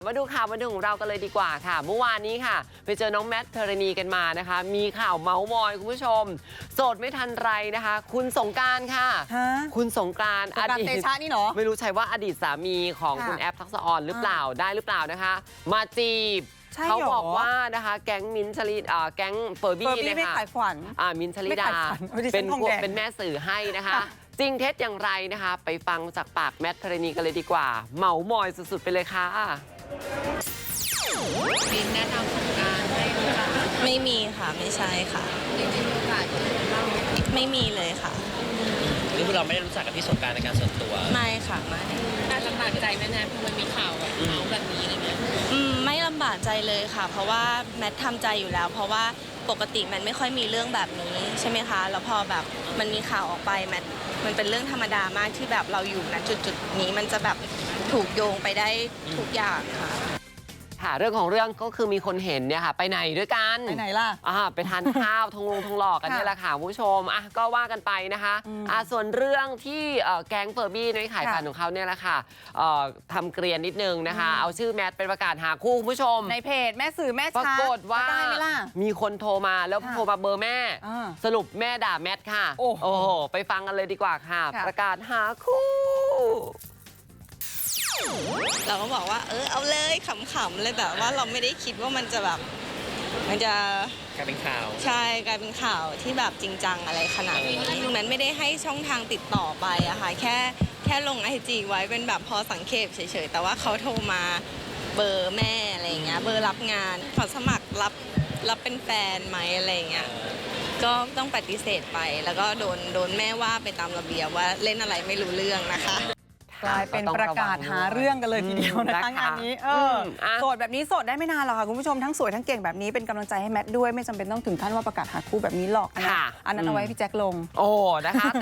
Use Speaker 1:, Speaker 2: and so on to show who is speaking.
Speaker 1: มาดูข่าวบันเทิงของเรากันเลยดีกว่าค่ะเมื่อวานนี้ค่ะไปเจอน้องแมทพิรณีกันมานะคะมีข่าวเมาส์มอยคุณผู้ชมโสดไม่ทันไรนะคะคุณสงกรานต์ค่ะคุณสงกรานต์อดีตเตชะนี่เนาะไม่รู้ใช่ว่าอดีตสามีของคุณแอฟทักษะออนหรือเปล่าได้หรือเปล่านะคะมาจีบเขาบอกว่านะคะแก๊งมิ้นท์ชลิดแก๊งเฟอร์บี้เนี่ยค่ะมิ้นท์ชลิดาเป็นแม่สื่อให้นะคะจริงเท็จอย่างไรนะคะไปฟังจากปากแมทพิรณีกันเลยดีกว่าเมามอยสุดๆไปเลยค่ะ
Speaker 2: มิ้นท์แนะนำสงกรานต์ให้รู้จัก
Speaker 3: ไม่มีค่ะไม่ใช่ค่ะ
Speaker 2: จริงๆโอกาส
Speaker 3: ไม่มีเลยค่ะ
Speaker 4: นี่คือเราไม่ได้รู้จักกับพี่สงกรานต์ในการส่วนตัว
Speaker 3: ไม่ค่ะไม่
Speaker 2: น่าลำบากใจไหมนะมันมีข่าวแบบเมาแบบนี้อะไรเงี้ย
Speaker 3: ไม่ลำบากใจเลยค่ะเพราะว่าแมททำใจอยู่แล้วเพราะว่าปกติมันไม่ค่อยมีเรื่องแบบนี้ใช่ไหมคะแล้วพอแบบมันมีข่าวออกไปแมทมันเป็นเรื่องธรรมดามากที่แบบเราอยู่ณจุดนี้มันจะแบบถูกโยงไปได้ทุกอย่างค่ะ
Speaker 1: เรื่องของเรื่องก็คือมีคนเห็นเนี่ยค่ะไปไหนด้วยกัน
Speaker 5: ไปไหนล่ะ
Speaker 1: ไปทานข้าวทงหลอกกันนี่แหละค่ะผู้ชมก็ว่ากันไปนะคะส่วนเรื่องที่แก๊งเฟอร์บี้ในขายฝันของเขาเนี่ยแหละค่ะทำเกรียนนิดนึงนะคะเอาชื่อแมทเป็นประกาศหาคู่คุณผู้ชม
Speaker 5: ในเพจแม่สื่อแม่
Speaker 1: ปรากฏว่ามีคนโทรมาแล้วโทรมาเบอร์แม่สรุปแม่ด่าแมทค่ะโอ้โหไปฟังกันเลยดีกว่าค่ะประกาศหาคู่
Speaker 3: เราก็บอกว่าเอาเลยขำๆเลยแบบว่าเราไม่ได้คิดว่ามันจะแบบมันจะ
Speaker 4: กลายเป็นข่าว
Speaker 3: ใช่กลายเป็นข่าวที่แบบจริงจังอะไรขนาดนี้ตรงนั้นไม่ได้ให้ช่องทางติดต่อไปอะค่ะแค่ลงIGไว้เป็นแบบพอสังเกตเฉยๆแต่ว่าเขาโทรมาเบอร์แม่อะไรเงี้ยเบอร์รับงานขอสมัครรับเป็นแฟนไหมอะไรเงี้ยก็ต้องปฏิเสธไปแล้วก็โดนแม่ว่าไปตามระเบียบว่าเล่นอะไรไม่รู้เรื่องนะคะ
Speaker 5: กลายเป็นประกาศหาเรื่องกันเลยทีเดียวนะคะงานนี้โสดแบบนี้โสดได้ไม่นานหรอกค่ะคุณผู้ชมทั้งสวยทั้งเก่งแบบนี้เป็นกำลังใจให้แมทด้วยไม่จำเป็นต้องถึงขั้นว่าประกาศหาคู่แบบนี้หรอกอันนั้นเอาไว้พี่แจ็คลง
Speaker 1: โอ้นะคะ